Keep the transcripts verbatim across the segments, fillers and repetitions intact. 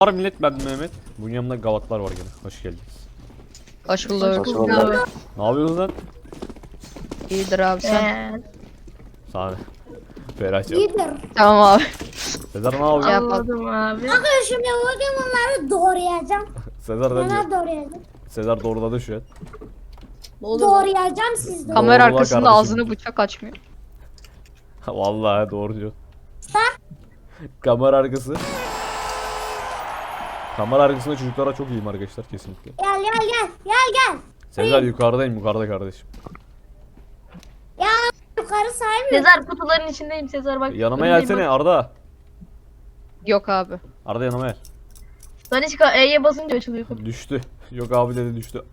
Var millet, ben Mehmet. Bunun yanında gavatlar var gene. Hoş geldiniz. Hoş bulduk. Hoş bulduk. Ne yapıyorsunuz lan? İyidir abi sen. Ee, Sağ ol. Ferah'cığım. İyidir. Tamam abi. Sezer ne yapıyor? Şey yapalım. anladım abi. Bakın şimdi bugün bunları doğrayacağım. Sezer ne diyor? Neler doğrayacağım? Sezer doğruladı şu an. Doğrayacağım siz de. Kamera Doğrula arkasında kardeşim. ağzını bıçak açmıyor. Vallahi doğru diyor. Kamera arkası. Kamera arkasında çocuklara çok iyiyim arkadaşlar kesinlikle. Gel gel gel. Gel gel. Sezer yukarıdayım, yukarıda kardeşim. Ya yukarı saymıyor. Sezar kutuların içindeyim Sezar bak. Yanıma önündeyim gelsene bak. Arda. Yok abi. Arda yanıma gel. Ben hiç ka- E'ye basınca açılıyor kapı. Düştü. Yok abi dedi düştü.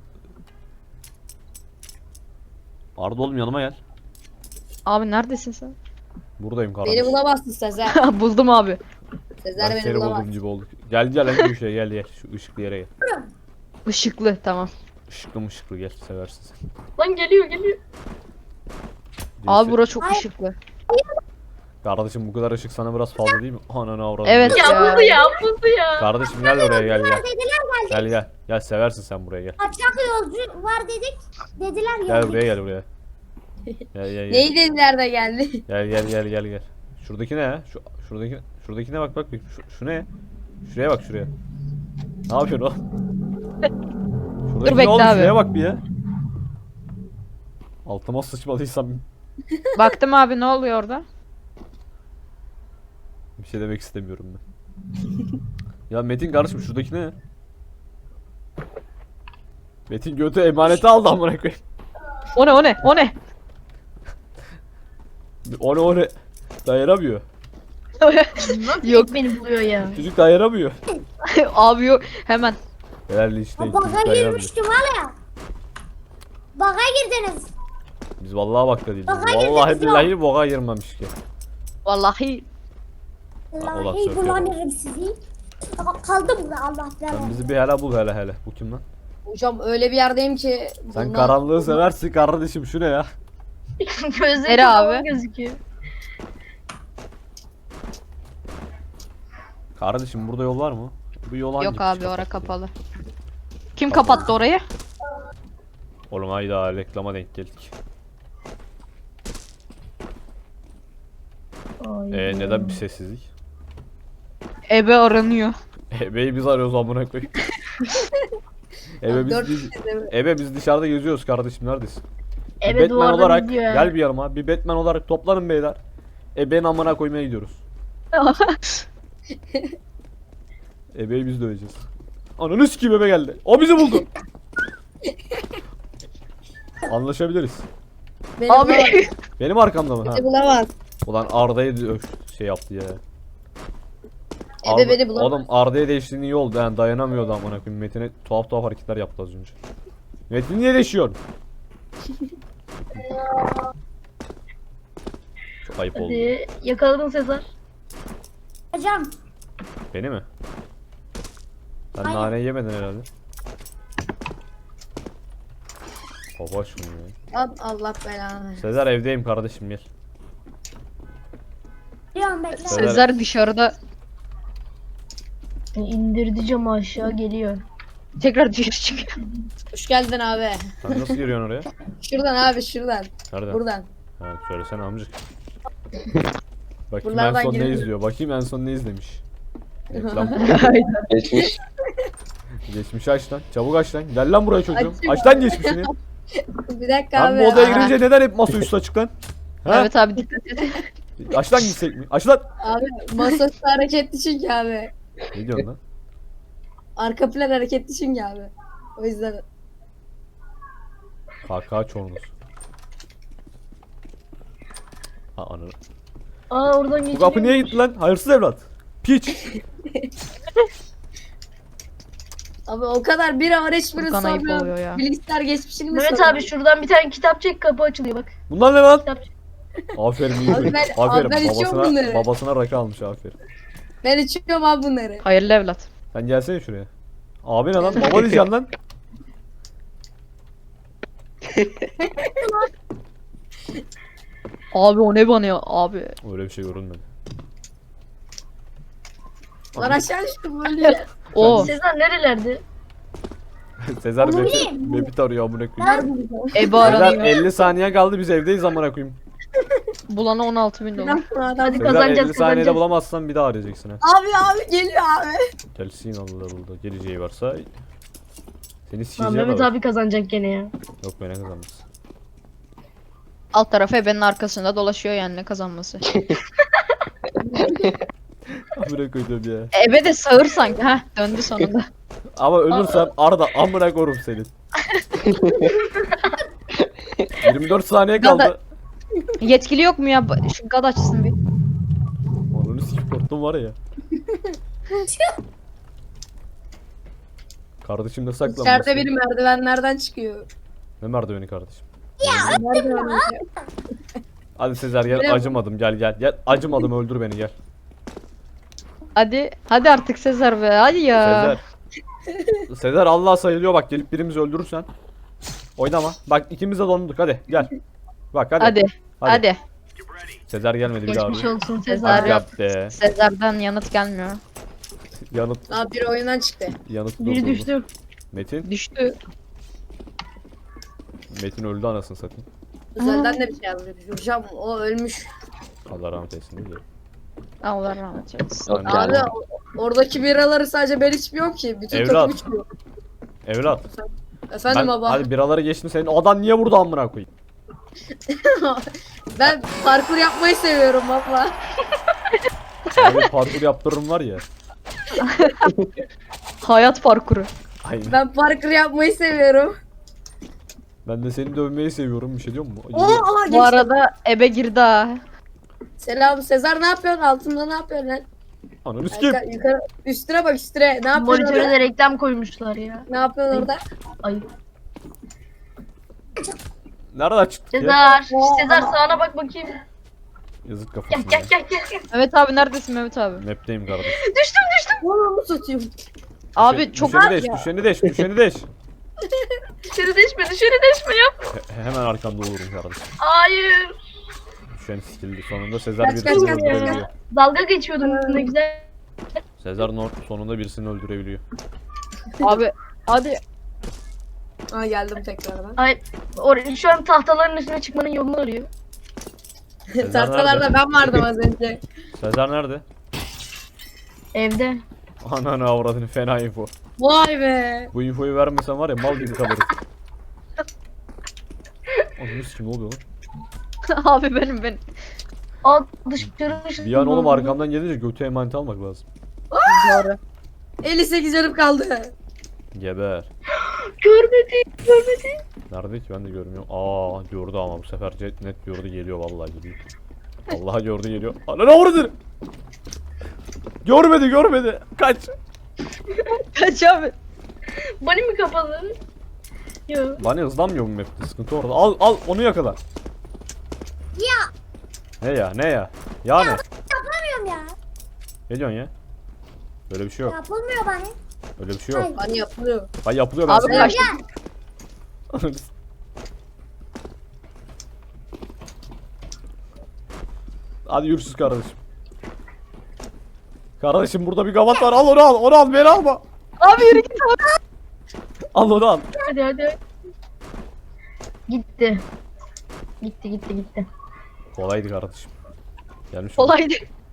Arda oğlum yanıma gel. Abi neredesin sen? Buradayım kardeşim. Beni bulamazsın Sezer. Buldum abi. Sezer Ben beni seni bulamaz. buldum gibi olduk. Gel gel en köşeye gel gel. Şu ışıklı yere gel. Işıklı tamam. Işıklı mışıklı gel, seversin sen. Lan geliyor geliyor. Abi Neyse. bura çok ışıklı. Kardeşim bu kadar ışık sana biraz fazla değil mi? Ananı avradım. Evet. Ya Ya. buldu ya buldu ya. Kardeşim gel oraya gel gel. Dediler geldik. Gel gel. Gel seversin sen buraya gel. Kaçak yolcu var dedik. Dediler Gel geldik. buraya gel buraya. Gel gel gel. Neyi dediler de geldi? Gel gel gel gel gel. Şuradaki ne ya? Şu şuradaki şuradaki ne bak bak bir şu, şu ne? Şuraya bak şuraya. Ne yapıyorsun o? Şuradaki ne bekle oğlum? abi. Şuraya bak bir ya. Altıma sıçmadıysam Baktım abi ne oluyor orada? bir şey demek istemiyorum ben. Ya Metin kardeşim şuradaki ne? Metin götü emaneti aldı amına koyayım. O ne o ne o ne? O ne o ne? Dayanamıyor. Nasıl Yok. beni buluyor ya. Çocuk dayanamıyor. Abi yok hemen. Herhalde işte Ha, çocuk Baga dayanamıyor. girmiştim var ya. Baga girdiniz. Biz vallahi bak da değiliz. Baga Vallahi girdiniz ya. billahi boğa girmemiş ki. Vallahi Allah Vallahi söylüyor. bulanırım sizi. Ama kaldım burada Allah Sen belanı. bizi bir hele bul hele hele. Bu kim lan? Hocam öyle bir yerdeyim ki. Sen bundan- karanlığı seversin kardeşim, şu ne ya? Gözleri Nere abi? abi? Gözüküyor. Kardeşim burada yol var mı? Bu yol hangi yok piç abi kapattı ora ya? kapalı. Kim kapattı orayı? Oğlum hayda reklama denk geldik. Ay. Ee neden bir sessizlik? Ebe aranıyor. Ebe'yi biz arıyoruz amına koyayım. Ebe biz, Dört biz, kişi de mi? Ebe biz dışarıda geziyoruz kardeşim, neredesin? Bir Evet Batman duvardan olarak izliyor ya. gel bir yanıma. Bir Batman olarak toplanın beyler. Ebe'nin amına koymaya gidiyoruz. Ebe'yi biz döveceğiz. Ananı sikeyim, Ebe geldi. O bizi buldu. Anlaşabiliriz. Beni Abi bulamaz. Benim arkamda mı? Ha. Beni bulamaz. Ulan Arda'yı dö- şey yaptı ya. Ebe beni bulamaz. Oğlum Arda'ya değiştiğin iyi oldu, yani dayanamıyordu amına koyayım. Metin'e tuhaf tuhaf hareketler yaptı az önce. Metin niye değişiyorsun? Çok ayıp oldu. Hadi yakaladın Sezar. Hocam Beni mi? Sen Aynen. nane yemedin herhalde. Baba şunu ya. Lan Allah belanı. Sezer evdeyim kardeşim, gel. biliyorum bekle. Sezer- Sezer dışarıda İndirdi camı aşağı geliyor. tekrar dışarı çıkıyor. Hoş geldin abi. Sen nasıl giriyorsun oraya? Şuradan abi şuradan. Nereden? Buradan. Ha, söylesene amcık. Bakayım Buralardan en son ne girelim. izliyor. Bakayım en son ne izlemiş. Reklam. Geçmiş. Geçmişi aç lan. Çabuk aç lan. Gel lan buraya çocuğum. Açayım. Aç lan geçmişini. Bir dakika Lan abi. bu odaya Aa, girince neden hep masaüstü açık lan? Ha? Evet abi dikkat et. Aç lan gitsek mi? Aç lan. Abi masaüstü hareketli çünkü abi. Ne diyorsun lan? Arka plan hareketli çünkü abi. O yüzden. Kaka çorunuz. Ha ananı. Aa oradan Bu geçiyor. kapı niye gitti lan? Hayırsız evlat. Piç. Abi o kadar bir var hiçbiri Furkan ayıp oluyor sormuyor. ya. Bilgisayar geçmişini mi Mehmet soruyor? abi şuradan bir tane kitap çek kapı açılıyor bak. Bunlar ne lan? Kitap. Aferin iyi. Abi ben- Aferin abi ben içiyorum babasına, bunları. babasına rakı almış, aferin. Ben içiyorum abi bunları. Hayırlı evlat. Sen gelsene şuraya. Abi ne lan? Baba diyeceksin lan. Abi o ne bana ya abi. Öyle bir şey görünmedi. Lan aşağı düştüm böyle. O Sezer nerelerde? Sezer Onu Mepit, bileyim. Mepit arıyor amına koyayım. Nerede bulacağım? Ebe Sezer aranıyor. elli saniye kaldı biz evdeyiz amına koyayım. Bulana on altı bin dolar. Hadi Sezer kazanacağız elli saniyede kazanacağız. bulamazsan bir daha arayacaksın ha. Abi abi geliyor abi. Gelsin Allah Allah. Geleceği varsa seni Lan sikeceğim Mehmet abi. abi kazanacak gene ya. Yok ben ne kazanmaz. Alt tarafı ebenin arkasında dolaşıyor yani ne kazanması. Amına koydum ya. Ebe de sağır sanki. Heh döndü sonunda. Ama ölürsem Arda amına korum senin. yirmi dört saniye Gada- kaldı. Yetkili yok mu ya? Ba- Şu gad açsın bir. Onun sikip korktum var ya. Kardeşim ne saklanmışsın? İçeride biri merdivenlerden çıkıyor. Ne merdiveni kardeşim? Merdiven. Hadi Sezer gel Bilmiyorum. acımadım gel gel. Gel acımadım öldür beni gel. Hadi. Hadi artık Sezer be. Hadi ya. Sezer. Sezer Allah sayılıyor bak gelip birimizi öldürürsen. Oynama. Bak ikimiz de donduk hadi gel. Bak hadi. Hadi. Hadi. Sezer gelmedi bir daha. Geçmiş abi. olsun Sezer Sezer. Hadi yap be. Sezer'den yanıt gelmiyor. Yanıt Abi biri oyundan çıktı. yanıt Biri doldurdu. düştü. Metin. Düştü. Metin öldü anasını satayım. Özelden de bir şey yazmış. Hocam o ölmüş. Allah rahmet eylesin değil mi? Allah rahmet eylesin. Yok Yani- Abi o- oradaki biraları sadece ben içmiyorum ki. Bütün Evlat. takım içmiyor. Evlat. Efendim Ben, baba. hadi biraları geçtim senin odan niye burada amına koyayım? Ben parkur yapmayı seviyorum baba. Böyle parkur yaptırırım var ya. Hayat parkuru. Aynen. Ben parkur yapmayı seviyorum. Ben de seni dövmeyi seviyorum bir şey diyor mu? Oo, aha, Bu geçti. arada ebe girdi ha. Selam Sezer ne yapıyorsun? Altında ne yapıyorsun lan? Ananı sikeyim. Yukarı, yukarı, üstüne bak üstüne. Ne yapıyorsun Monitöre orada? de reklam koymuşlar ya. Ne yapıyorsun orada? Ayıp. Nereden çıktık ya? Sezer. Sezer sağına bak bakayım. Yazık Gel kafasına. gel gel gel. gel. Mehmet abi neredesin Mehmet abi? Map'teyim kardeşim. Düştüm düştüm. Onu satayım. Abi Düşeni- çok düşeni deş, düşeni deş, düşeni deş. Dışarı deşme dışarı deşme yap. He- hemen arkanda olurum kardeşim. Hayır. Düşen sikildi. Sonunda Sezer Kaç, birisini kaç, kaç, öldürebiliyor. Dalga geçiyordum ne güzel. Sezer Nord sonunda birisini öldürebiliyor. abi hadi. Aa geldim tekrardan. Ay, or- şu an tahtaların üstüne çıkmanın yolunu arıyor. Sezer Tahtalarda nerede? ben vardım az önce. Sezer nerede? Evde. Ananı avradını fena info. Vay be. Bu infoyu vermesen var ya mal gibi kalırız. Ananı sikim ne oluyor lan? abi benim benim. Aa dışarı dışarı. Bir an oğlum arkamdan gelince götü emanet almak lazım. Doğru. elli sekiz canım kaldı. Geber. Görmedi görmedi. Nerede ki ben de görmüyorum. Aa gördü ama bu sefer jet net gördü geliyor vallahi geliyor. Vallahi gördü geliyor. Ananı avradını. Görmedi görmedi. Kaç. Kaç abi. Bani mi kapalı? Yok. Bana hızlanmıyor bu map'te sıkıntı orada. Al al onu yakala. Ya Ne ya ne ya? Ya ne? yapamıyorum ya. Ne diyorsun ya? Böyle bir şey yok. Yapılmıyor bana. Öyle bir şey yok. Hani yapılıyor. Ay yapılıyor ben Abi sana. kaç. Hadi yürüsüz kardeşim. Kardeşim burada bir gavat var. Al onu al. Onu al beni alma. Abi yürü git abi. Al onu al. Hadi hadi. Gitti. Gitti gitti gitti. Kolaydı kardeşim. Gelmiş oldu. Kolaydı.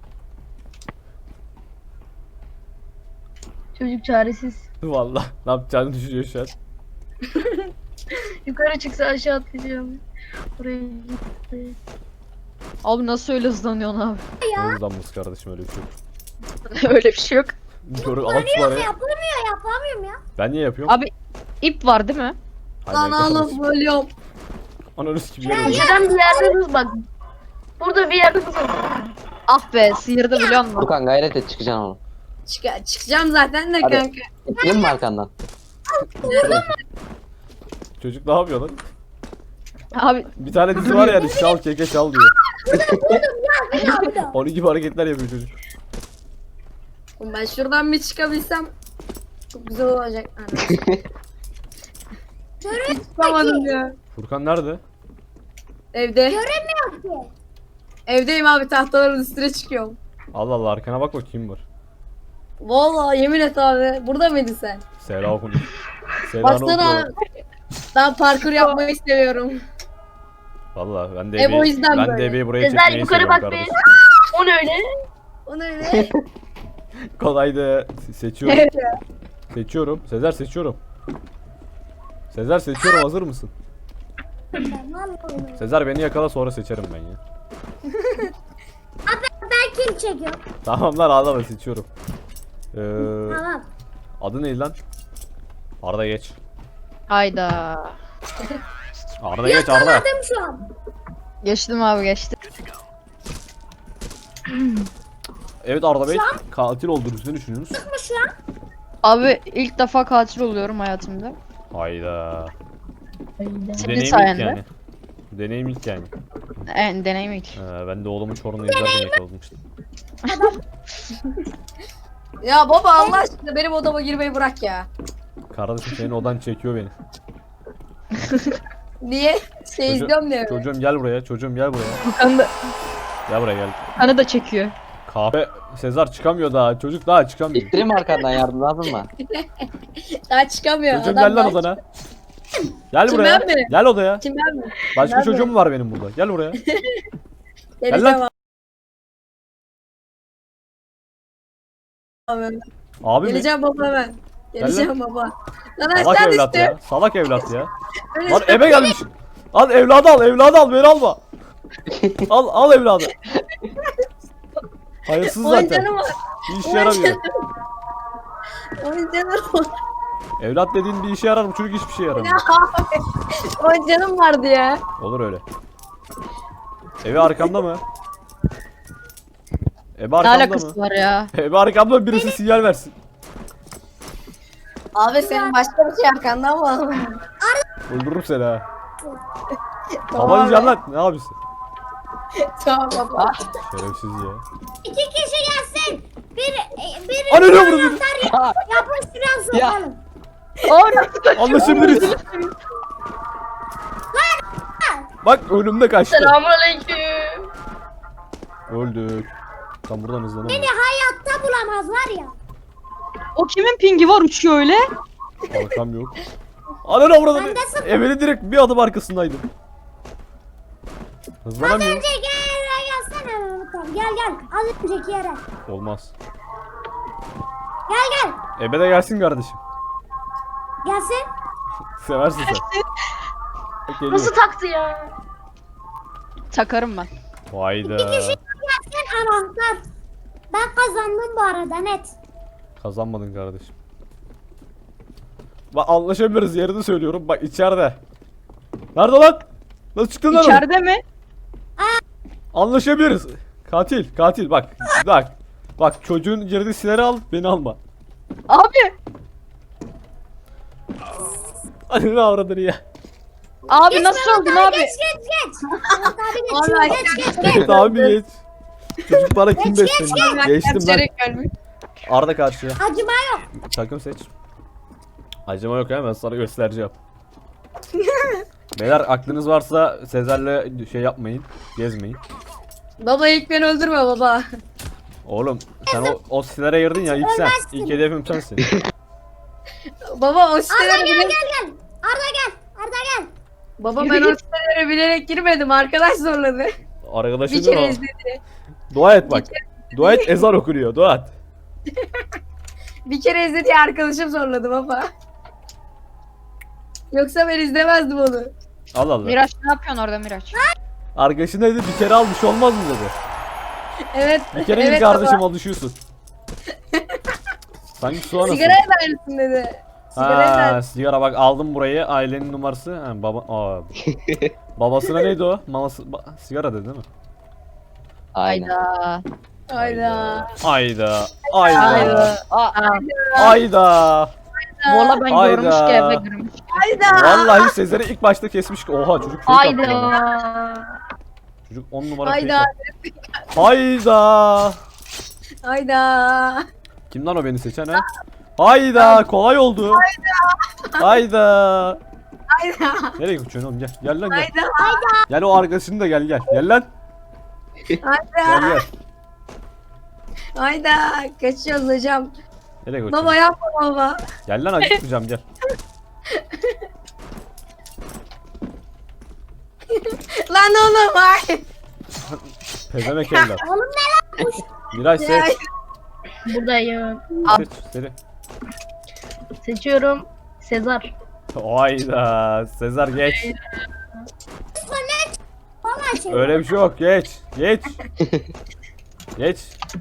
Çocuk çaresiz. Vallahi ne yapacağını düşünüyor şu an. Yukarı çıksa aşağı atlayacağım. Oraya gitti. Abi nasıl öyle hızlanıyorsun abi? Ne hızlanması kardeşim öyle bir şey yok. öyle bir şey yok. Gör al şu parayı. Yapılmıyor yapamıyorum ya. Ben niye yapıyorum? Abi ip var değil mi? Aynen Lan oğlum kardeşim. ölüyorum. Ananı sikim yerim. Köşeden bir yerde hız bak. Burada bir yerde hız var. Ah be sıyırdı biliyor musun? Furkan gayret et çıkacaksın onu. Çık çıkacağım zaten de Hadi. kanka. İttirin mi arkandan? Çocuk ne yapıyor lan? Abi Bir tane dizi var yani şal keke şal diyor. Bir daha bir daha. Onun gibi hareketler yapıyor çocuk. Oğlum ben şuradan bir çıkabilsem çok güzel olacak. Görüyor Çıkamadım ya. Furkan nerede? Evde. musun ki? Evdeyim abi tahtaların üstüne çıkıyorum. Allah Allah arkana bak bakayım var. Vallahi yemin et abi. Burada mıydın sen? Seyra okumuş. Seyra'nı Baksana. okuyor. Ben parkur yapmayı seviyorum. Valla ben de Hep o ebeyi, yüzden ben böyle. de ebeyi buraya Sezer çekmeyi yukarı seviyorum bak be. kardeşim. O ne öyle? O ne öyle? Kolaydı. Seçiyorum. Evet ya. Seçiyorum. Sezer seçiyorum. Sezer seçiyorum, hazır mısın? Sezer beni yakala, sonra seçerim ben ya. Ben kim çekiyorum? Tamam lan, ağlama, seçiyorum. Ee, Tamam. adı ne lan? Arda geç. Hayda. Arda geç Arda. Yakaladım şu an. Geçtim abi geçtim. Evet Arda Bey, katil olduğunuzu ne düşünüyorsunuz? Mı şu an? Abi ilk defa katil oluyorum hayatımda. Hayda. Senin Deneyim ilk sayende. yani. Deneyim ilk yani. En deneyim ilk. Ee, ben de oğlumun Çorum'da izlerken yakalamıştım. Ya baba Allah aşkına benim odama girmeyi bırak ya. Kardeşim senin odan çekiyor beni. Niye? Şey Çocuğum- izliyorum diye. mi? Çocuğum gel buraya, çocuğum gel buraya. Furkan'ı da, Gel buraya gel. Furkan'ı da çekiyor. Kahve, Sezar çıkamıyor daha, çocuk daha çıkamıyor. İttireyim mi arkandan, yardım lazım mı? Daha çıkamıyor. Çocuğum Adam gel lan daha- odana. Gel Kim, buraya. ben mi? Gel odaya. Kim ben mi? Başka ben çocuğum mi? var benim burada. Gel buraya. Geleceğim lan. abi. Abi mi? Geleceğim baba ben. Geleceğim baba. Lan Salak aşağı evlat düştü. ya. Salak evlat ya. Öyle Lan işte. eve gelmiş. Al evladı al, evladı al, beni alma. Al al evladı. Hayırsız zaten. Oyuncağım var. Bir işe yaramıyor. Oyuncağım var. Evlat dediğin bir işe yarar, bu çocuk hiçbir şey yaramıyor. Oyuncağım vardı ya. Olur öyle. Evi arkamda mı? Evi Ne arkamda alakası mı? var ya? Evi arkamda mı? Birisi sinyal versin. Abi senin başka bir şey arkanda ama. Öldürürüm seni ha. Tamam Baba abi. yiyeceksin lan. Ne yapıyorsun? Tamam baba. Şerefsiz ya. İki kişi gelsin. Bir, e, bir Ana ne vurdu? yapıştıran Ya. sokalım. Aa nasıl kaçıyor? Anlaşabiliriz. Bak önümde kaçtı. Selamünaleyküm. Öldük. Tam buradan hızlanamıyor. Beni hayatta bulamaz var ya. O kimin pingi var uçuyor öyle? Arkam yok. Ana ne vurdu? Ben de sıfır. Evelin direkt bir adım arkasındaydım. Hızlanamıyor. Önceki yere gelsene Mehmet abi. Gel gel. Az önceki yere. Olmaz. Gel gel. Ebe de gelsin kardeşim. Gelsin. Seversin sen. Bak geliyor. Nasıl taktı ya? Takarım ben. Hayda. Gelsin anahtar. Ben kazandım bu arada net. Kazanmadın kardeşim. Bak anlaşabiliriz, yerini söylüyorum. Bak içeride. Nerede lan? Nasıl çıktın lan? oradan? İçeride mi? Anlaşabiliriz. Katil, katil bak. Bak. Bak çocuğun girdiği silahı al, beni alma. Abi. Hadi ne avradını ya. Abi nasıl oldun abi? Geç geç geç. Mehmet abi geç. Vallahi Geç geç geç. Git abi geç. Çocuk bana kim besleniyor? Geçtim ben. Çeyrek ölmüş. Arda karşıya. Acıma yok. Takım seç. Acıma yok, hemen sana göstereceğim. Beyler aklınız varsa Sezer'le şey yapmayın. Gezmeyin. Baba ilk beni öldürme baba. Oğlum sen o, o silahlara girdin ya, ilk sen. İlk hedefim sensin. Baba o Arda sitelere gel bilerek... gel gel. Arda gel. Arda gel. Baba ben o sitelere bilerek girmedim. Arkadaş zorladı. Arkadaşın Bir kere o. izledi. Dua et bak. Dua et, ezan okunuyor. Dua et. Bir kere izledi arkadaşım zorladı baba. Yoksa ben izlemezdim onu. Allah Allah. Miraç ne yapıyorsun orada Miraç? Arkadaşın dedi bir kere almış olmaz mı dedi. Evet. Bir kere evet ilk kardeşim baba. alışıyorsun. Sanki su anası. Sigaraya da aynısın dedi. Sigaraya da Ha, aynısın. sigara bak aldım burayı, ailenin numarası. Ha, baba Aa. Babasına neydi o? Maması ba- sigara dedi değil mi? Aynen. Hayda. Hayda. Hayda. Hayda. Hayda. Aa, Hayda. Valla ben Hayda. görmüş ki eve görmüş. Hayda. Vallahi Sezer'i ilk başta kesmiş ki. Oha çocuk fake attı bana. Hayda. Çocuk on numara Hayda. fake attı. Hayda. Hayda. Kim lan o beni seçen ha? Hayda kolay oldu. Hayda. Hayda. Nereye kaçıyorsun oğlum, gel. Gel lan gel. Hayda. Gel o arkadaşını da gel gel. Gel lan. Gel Hayda. gel. Hayda. Kaçıyoruz hocam. Nereye Baba götürüyorsun? yapma baba. Gel lan acıtmayacağım gel. Lan oğlum ay. Pezemek evlat. Oğlum ne lan? Miray Ya, seç. Buradayım. Seç. Seri. Seçiyorum. Sezar. Hayda. Sezar geç. Vallahi şey. Öyle bir şey yok. Geç. Geç. Geç.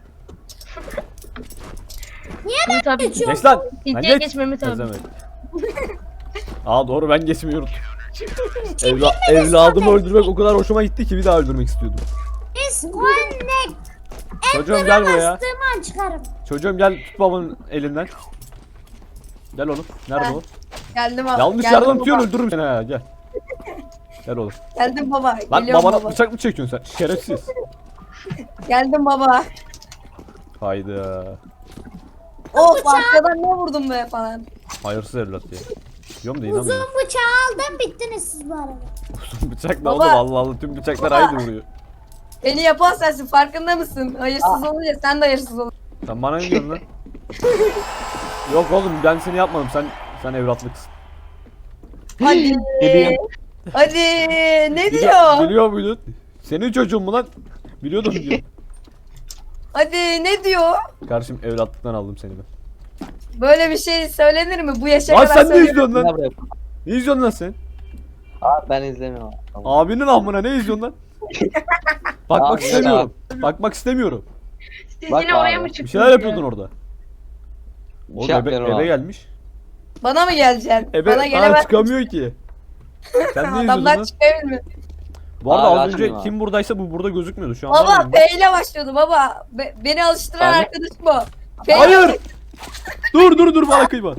Mehmet abi. Geç lan. Lan İlkiye geç. geç Mehmet abi. Pezemek. Aa doğru ben geçmiyorum. Evla evladımı öldürmek o kadar hoşuma gitti ki bir daha öldürmek istiyordum. Disconnect. Çocuğum gel buraya. Bastığım an çıkarım. Çocuğum gel tut babanın elinden. Gel oğlum. Nerede Ha, o? Geldim baba. Yanlış geldim yerden tutuyorsun baba. öldürürüm seni ha gel. Gel oğlum. Geldim baba. Lan Geliyorum babana baba. bıçak mı çekiyorsun sen? Şerefsiz. Geldim baba. Hayda. Oh arkadan ne vurdum be falan. Hayırsız evlat ya. Diyorum da Uzun inanmıyorum. bıçağı aldım bittiniz siz bu arada. Uzun bıçak ne Baba. oğlum Allah Allah tüm bıçaklar Baba. aynı vuruyor. Beni yapan sensin farkında mısın? Hayırsız olunca sen de hayırsız ol. Sen bana ne diyorsun lan? Yok oğlum ben seni yapmadım sen sen evlatlıksın. Hadi. Biliyorum. Hadi ne Biliyor, diyor? biliyor muydun? Senin çocuğun mu lan? Biliyordum diyor. Hadi ne diyor? Kardeşim evlatlıktan aldım seni ben. Böyle bir şey söylenir mi? Bu yaşa Lan kadar sen ne söylüyorum. izliyorsun Ne lan? buraya? Ne izliyorsun lan sen? Abi ben izlemiyorum. Tamam. Abinin amına ne izliyorsun lan? Bakmak Abi, istemiyorum. Bakmak istemiyorum. Siz Bak yine oraya abi. mı Bir çıktınız? şeyler yapıyordun orada. O şey ebe, yapmıyorum ebe abi. gelmiş. Bana mı geleceksin? Ebe Bana bana gelemez. çıkamıyor ki. Sen ne izliyordun Adamlar lan? çıkabilir. Bu arada Abi, az önce açmıyorum abi. kim buradaysa bu burada gözükmüyordu şu an. var Baba mı? P ile başlıyordu baba. Be- beni alıştıran Abi. arkadaşım bu. P ile- Hayır! dur dur dur bana kıyma.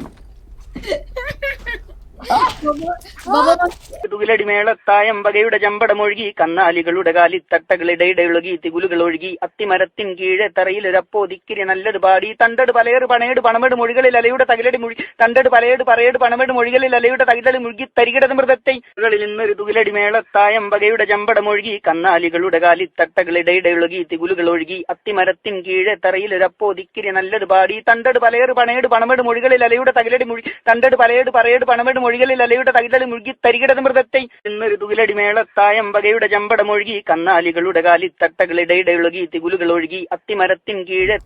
Baba തുകിലടി മേളത്തായം വകയുടെ ചമ്പടമൊഴുകി കന്നാലികളുടെ കാലിത്തട്ടകളിടയിടയൊഴുകി തികുലുകൾ ഒഴുകി അത്തിമരത്തിൻ കീഴെ തറയിലൊരപ്പോ ദിക്കിരി നല്ലത് പാടി തണ്ടട് പലയേട് പണയേട് പണമേട് മൊഴികളിൽ അലയുടെ തകിലടി മുഴി തണ്ടട് പലയേട് പറയേട് പണമേട് മൊഴികളിൽ അലയുടെ തകിലടി മുഴുകി തരികിടത് മൃതത്തെ കളിൽ ഇന്നൊരു തുകിലടി മേളത്തായം വകയുടെ ചമ്പടമൊഴുകി കന്നാലികളുടെ കാലിത്തട്ടകളിടയിടയൊഴുകി തികുലുകൾ ഒഴുകി അത്തിമരത്തിൻ കീഴെ തറയിലൊരപ്പോ ദിക്കിരി നല്ലത് പാടി തണ്ടട് പലയേട് പണയേട് പണമേട് മൊഴികളിൽ അലയുടെ തകിലടി മുഴി തണ്ടട് പലയേട് പറയേട് പണമേട് മൊഴികളിൽ അലയുടെ തകിലടി മുഴുകി തരികിടത് മൃതത്തെ ഇന്നൊരു തുകിലടി മേളത്തായം വകയുടെ ചമ്പടമൊഴുകി കന്നാലികളുടെ കാലിത്തട്ടകളിടയിടയൊഴുകി തികുലുകൾ ഒഴുകി അത്തിമരത്തിൻ കീഴെ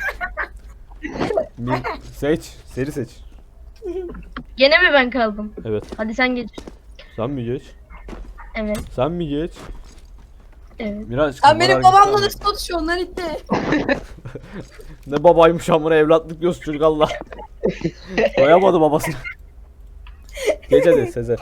Mi- seç. Seri seç. Gene mi ben kaldım? Evet. Hadi sen geç. Sen mi geç? Evet. Sen mi geç? Evet. Miraç. sen benim kamera babamla hareketi nasıl konuşuyorsun lan itti? Ne babaymış amına evlatlık diyorsun çocuk Allah. Koyamadı babasını. Geç hadi Sezer.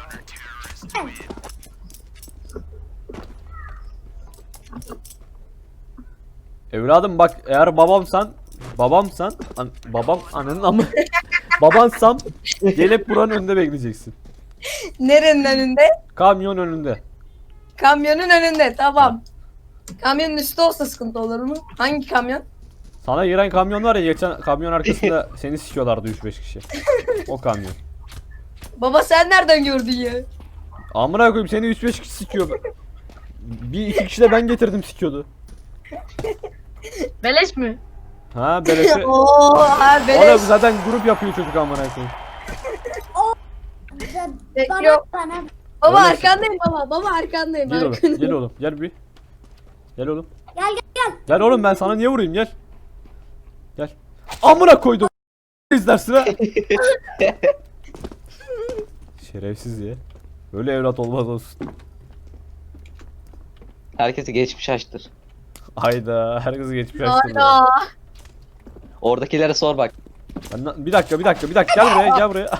Evladım bak eğer babamsan babamsan an, babam ananın amı babansam gelip buranın önünde bekleyeceksin. Nerenin önünde? Kamyon önünde. Kamyonun önünde tamam. Kamyonun üstü olsa sıkıntı olur mu? Hangi kamyon? Sana giren kamyon var ya geçen kamyon arkasında seni sikiyorlardı üç beş kişi. O kamyon. Baba sen nereden gördün ya? Amına koyayım seni üç beş kişi sikiyor. Bir iki kişi de ben getirdim sikiyordu. Beleş mi? Ha beleşe. Oo abi Oğlum beleş. zaten grup yapıyor çocuk amına koyayım. Bana Yok. bana. Baba Öyle- arkandayım baba. Baba arkandayım. Gel oğlum, arkandayım. gel oğlum, gel bir. Gel oğlum. Gel gel gel. Gel oğlum ben sana niye vurayım gel. Gel. Amına koydum. İzlersin ha. Şerefsiz ya. Böyle evlat olmaz olsun. Herkesi geçmiş açtır. Hayda herkesi geçmiş açtım. ya. Hayda. Oradakilere sor bak. Ben na- bir dakika bir dakika bir dakika gel buraya gel buraya.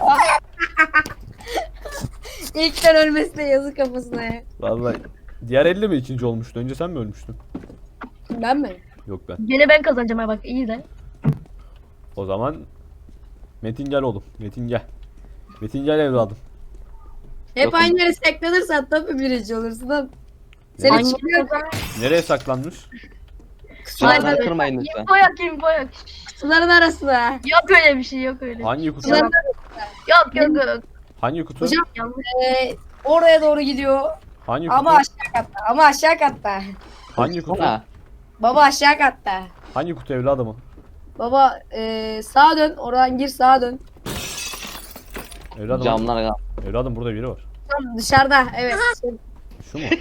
İlkten ölmesine yazık kafasına ya. Vallahi diğer elli mi ikinci olmuştu? Önce sen mi ölmüştün? Ben mi? Yok ben. Gene ben kazanacağım ha bak iyi de. O zaman Metin gel oğlum. Metin gel. Metin gel evladım. Hep Yok. aynı yere saklanırsan tabii birinci olursun lan. Seni Hangi çıkıyor. Nereye saklanmış? Silahları Aynen. kırmayın lütfen. Info yok info yok. Kutuların arasına. Yok öyle bir şey yok öyle. Hangi kutu? Kutuların Yok yok yok. Hangi kutu? Hocam Yanlış. Ee, oraya doğru gidiyor. Hangi kutu? Ama aşağı katta. Ama aşağı katta. Hangi kutu? Ha, Baba aşağı katta. Hangi kutu evladım o? Baba eee sağa dön. Oradan gir sağa dön. Evladım, Camlar kal. evladım burada biri var. Tam dışarıda. Evet. Şu mu?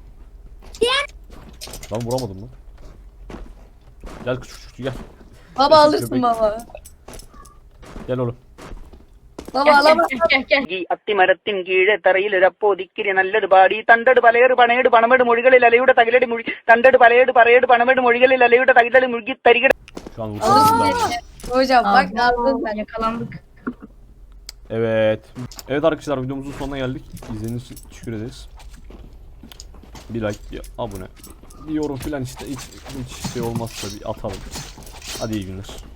Lan vuramadım lan. Gel küçük küçük gel. Baba Köpek. alırsın baba. Gel oğlum. Baba Gel alamaz. gel gel gel. ഈ അത്തിമരത്തിൻ കീഴെ തറയിലൊരപ്പോതിക്കിരി നല്ലൊരു പാടി തണ്ടട് പലയേട് പണയേട് പണമേട് മൊഴികളിൽ അലയുടെ തകിലടി മുഴി തണ്ടട് പലയേട് പറയേട് പണമേട് മൊഴികളിൽ അലയുടെ തകിലടി മുഴുകി തരികട Şu an vursanız lazım. Hocam bak Aa, aldın sen. Yakalandık. Evet. Evet arkadaşlar videomuzun sonuna geldik. İzlediğiniz için teşekkür ederiz. Bir like, bir abone, bir yorum filan işte hiç, hiç şey olmazsa bir atalım. Hadi iyi günler.